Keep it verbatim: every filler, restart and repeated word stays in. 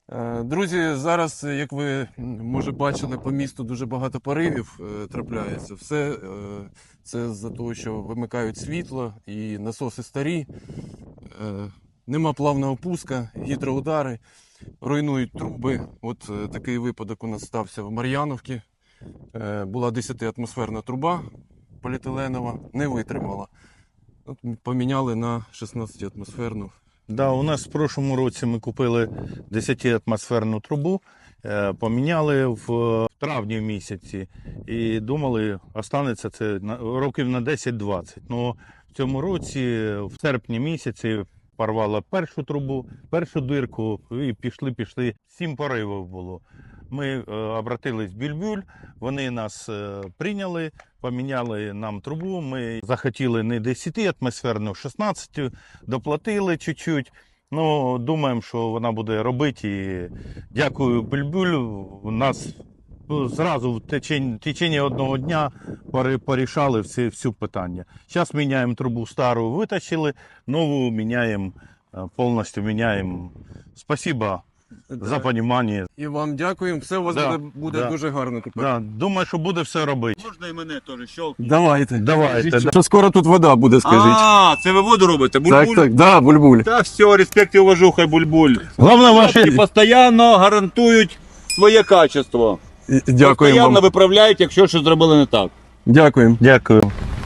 Друзі, зараз, як ви, може, бачили, по місту дуже багато поривів е, трапляється. Все е, це з-за того, що вимикають світло і насоси старі, е, нема плавного пуска, гідроудари, руйнують труби. От е, такий випадок у нас стався в Мар'яновці. Е, була десятиатмосферна труба поліетиленова, не витримала. От поміняли на шістнадцятиатмосферну. Да, у нас в прошлому році ми купили десятиатмосферну трубу, е, поміняли в травні місяці і думали, останеться це на, років на десять-двадцять. Ну, в цьому році, в серпні місяці, порвала першу трубу, першу дирку і пішли-пішли. Сім поривів було. Ми е, обратились в Бюльбюль, вони нас е, прийняли, поміняли нам трубу. Ми захотіли не десятиатмосферну, шістнадцять, доплатили чуть-чуть. Ну, думаємо, що вона буде робити. І дякую Бюльбюль, у нас зразу в течение, в течение одного дня порішали всі, всі питання. Зараз міняємо трубу стару, витащили, нову міняємо, повністю міняємо. Спасибо. За розуміння. І вам дякуємо. Все у вас Да, буде, буде да. дуже гарно тепер. Да, думаю, що буде все робити. Можна і мене теж щелкнути? Давайте. Давайте. Скажіть, що скоро тут вода буде, скажіть. А, це ви воду робите? Бульбуль? Так, так, да, Бульбуль. Та все, респект і уважуха, Бульбуль. Головне, І ваше... постійно гарантують своє качество. І- Дякуємо Постійно вам. виправляють, якщо щось зробили не так. Дякуємо. Дякую.